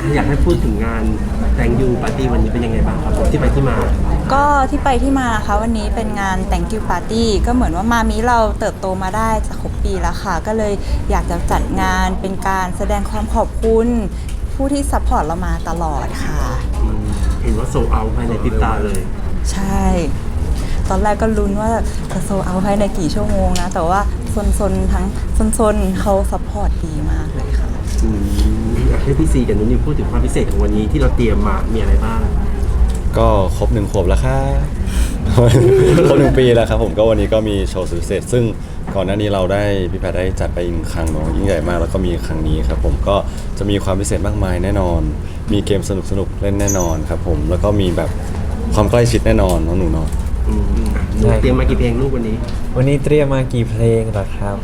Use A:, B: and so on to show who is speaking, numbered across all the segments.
A: อยากให้พูดถึงงานแตงยูปาร์ตี้วันนี้เป็นยังไงบ้างครับผมที่ไปที่มา
B: ก็ที่ไปที่มานะคะวันนี้เป็นงาน Thank you Party ก็เหมือนว่ามามิเราเติบโตมาได้จะครบปีแล้วค่ะก็เลยอยากจะจัดงานเป็นการแสดงความขอบคุณผู้ที่ซัพพอร์ตเรามาตลอดค่ะ
A: เห็นว่าโซเอาภายในพริบตาเลย
B: ใช่ ตอนแรกก็ลุ้นว่าจะโซเอาภายในกี่ชั่วโมงนะแต่ว่าซนทั้งซนเขาซัพพอร์ตดีมากเลยค่ะ
A: อยากให้พี่ซีกับนุ้ยพูดถึงความพิเศษของวันนี้ที่เราเตรียมมามีอะไรบ้าง
C: ก็ครบ1 ขวบแล้วครับ ครบ1 ปีแล้วครับผมก็วันนี้ก็มีโชว์สุดพิเศษซึ่งก่อนหน้านี้เราได้พี่แพทได้จัดไปอีกครั้งเนาะยิ่งใหญ่มากแล้วก็มีครั้งนี้ครับผมก็จะมีความพิเศษมากมายแน่นอนมีเกมสนุกเล่นแน่นอนครับผมแล้วก็มีแบบความใกล้ชิดแน่นอนน้องหนูเนาะ
A: หนูเตรียมมากี่เพลงลูกวันนี้
D: เตรียมมากี่เพลงเหรอครับ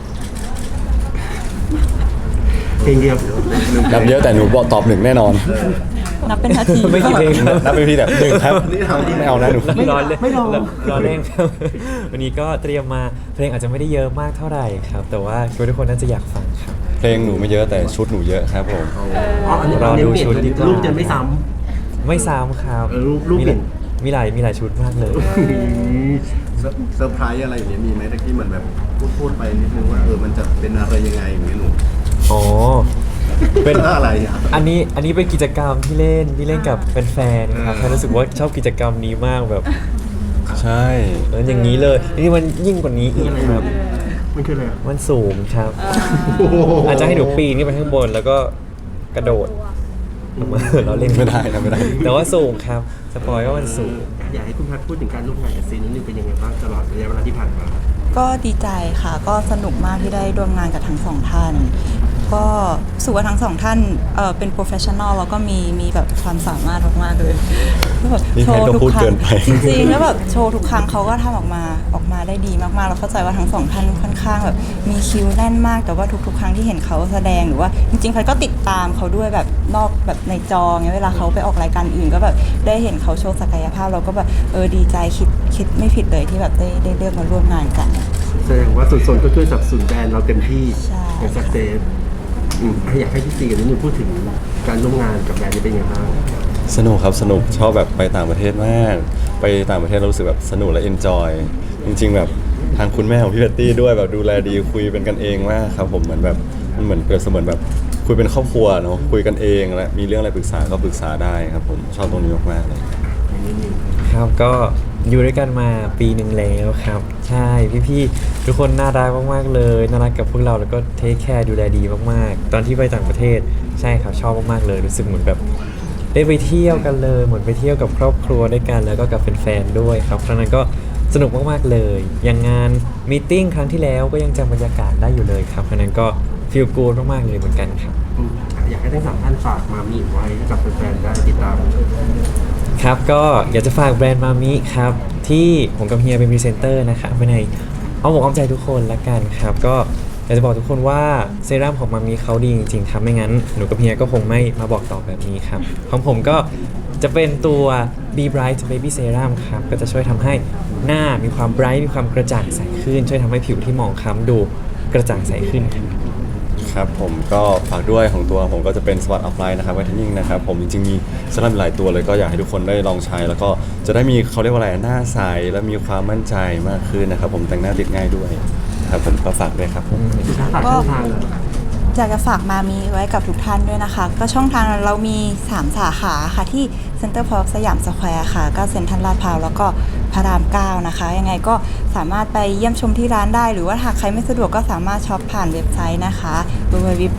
A: เพลงเดียว
C: นับเยอะแต่หนูบอกตอบ1แน่นอน
B: นับเป็นนาที
D: ไม่กี่เพลง
C: นับเป็นพี่แบบ1ครับไม่เอานะหนู
D: ไม่รอเล่นครับวันนี้ก็เตรียมมาเพลงอาจจะไม่ได้เยอะมากเท่าไหร่ครับแต่ว่าคิดว่าทุกคนน่าจะอยากฟังครับ
C: เพลงหนูไม่เยอะแต่ชุดหนูเยอะครับผม
A: รอดูชุดรูปจะไม่ซ้
D: ำครับ
A: รูปเปลี่ยน
D: มีหลายชุดมากเลย
E: เซอร์ไพรส์อะไรอย่างเงี้ยมีไหมตะกี้เหมือนแบบพูดไปนิดนึงว่ามันจะเป็นอะไรยังไงอย่างเงี้ยหนู
D: อ๋อ
E: เป็นอะไรอ่ะ
D: อันนี้เป็นกิจกรรมที่เล่นกับแฟนๆครับรู้สึกว่าชอบกิจกรรมนี้มากแบบ
C: ใช่
D: อย่างนี้เลยนี่มันยิ่งกว่านี้อีกครับ
A: มันคืออะไร
D: มันสูงครับอาจจะให้หนูปีนขึ้นไปข้างบนแล้วก็กระโดดเราเล่น
C: ไม่ได้
D: แต่ว่าสูงครับสปอยว่ามันสูง
A: อยากให้คุณพัดพูดถึงการร่วมงานกับซีนิดนึงเป็นยังไงบ้างตลอดระยะเวลาที่ผ่านมา
B: ก็ดีใจค่ะก็สนุกมากที่ได้ร่วมงานกับทั้งสองท่านก็รู้สึกว่าทั้งสองท่านเป็นโปรเฟชชั่นอลแล้วก็มีแบบความสามารถมากๆเลยแบบ
C: โชว์ทุกครั้ง
B: จริงๆแล้วแบบโชว์ทุกครั้งเขาก็ทำออกมาได้ดีมากๆเราเข้าใจว่าทั้งสองท่านค่อนข้างแบบมีคิวแน่นมากแต่ว่าทุกครั้งที่เห็นเขาแสดงหรือว่าจริงๆพันก็ติดตามเขาด้วยแบบนอกแบบในจอเงี้ยเวลาเขาไปออกรายการอื่นก็แบบได้เห็นเขาโชว์ศักยภาพเราก็แบบดีใจคิดไม่ผิดเลยที่แบบได้เลือกมาร่วมงานกัน
A: แสดงว่าส่วนก็ช่วยสนับสนุนแบรนด์เราเต็มที่ในสักเซสอยากให้พี่ซีกับนิวพูดถึงการร่วมงานกับแบรนด์นี้เป็นยังไงบ้าง
C: สนุกครับสนุกชอบแบบไปต่างประเทศมากไปต่างประเทศเรารู้สึกแบบสนุกและเอนจอยจริงๆแบบทางคุณแม่ของพี่แพตตี้ด้วยแบบดูแลดีคุยเป็นกันเองมากครับผมเหมือนแบบมันเหมือนเปรียบเสมือนแบบคุยเป็นครอบครัวเนาะคุยกันเองและมีเรื่องอะไรปรึกษาก็ปรึกษาได้ครับผมชอบตรงนี้มากๆเลย
D: ครับก็อยู่ด้วยกันมาปีหนึ่งแล้วครับใช่พี่ๆทุกคนน่ารักมากๆเลยน่ารักกับพวกเราแล้วก็เทคแคร์ดูแลดีมากๆตอนที่ไปต่างประเทศใช่ครับชอบมากๆเลยรู้สึกเหมือนแบบได้ไปเที่ยวกันเลยเหมือนไปเที่ยวกับครอบครัวด้วยกันแล้วก็กับแฟนๆด้วยครับครั้งนั้นก็สนุกมากๆเลยอย่างงานมีตติ้งครั้งที่แล้วก็ยังจำบรรยากาศได้อยู่เลยครับครั้งนั้นก็ฟีลกู๊ดมากๆเลยเหมือนกันครับ
A: อยากให้ทั้งสามท่านฝากมามีไว้กับแฟนๆได้ติดตาม
D: ครับก็อยากจะฝากแบรนด์มามิครับที่ผมกับเฮียเป็นพรีเซนเตอร์นะครับไปในเอาอกเอาใจทุกคนละกันครับก็อยากจะบอกทุกคนว่าเซรั่มของมามิเขาดีจริงๆครับไม่งั้นหนูกับเฮียก็คงไม่มาบอกต่อแบบนี้ครับของผมก็จะเป็นตัว Be Bright Baby Serum ครับก็จะช่วยทำให้หน้ามีความ bright มีความกระจ่างใสขึ้นช่วยทำให้ผิวที่หมองคล้ำดูกระจ่างใสขึ้น
C: ครับผมก็ฝากด้วยของตัวผมก็จะเป็น Smart Offline นะครับ Whitening นะครับผมจริงๆมีเซรั่มหลายตัวเลยก็อยากให้ทุกคนได้ลองใช้แล้วก็จะได้มีเขาเรียกว่าอะไรหน้าใสและมีความมั่นใจมากขึ้นนะครับผมแต่งหน้าติดง่ายด้วยครับผมก็ฝากด้วยครับผม
B: ก็อยากจะฝากมามีไว้กับทุกท่านด้วยนะคะก็ช่องทางเรามี3สาขาค่ะที่เซ็นเตอร์พาร์คสยามสแควร์ค่ะก็เซ็นทรัลลาดพร้าวแล้วก็พระราม9นะคะยังไงก็สามารถไปเยี่ยมชมที่ร้านได้หรือว่าหากใครไม่สะดวกก็สามารถช็อปผ่านเว็บไซต์นะคะ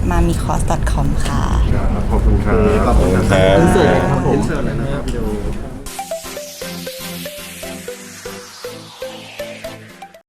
B: www.mamicos.com ค่ะ
A: ขอบคุณครับ
E: ขอบคุณครับ
A: อินเสิร์ตเลยครับผม
E: อินเสิร์ตเลยนะครับวิดีโอ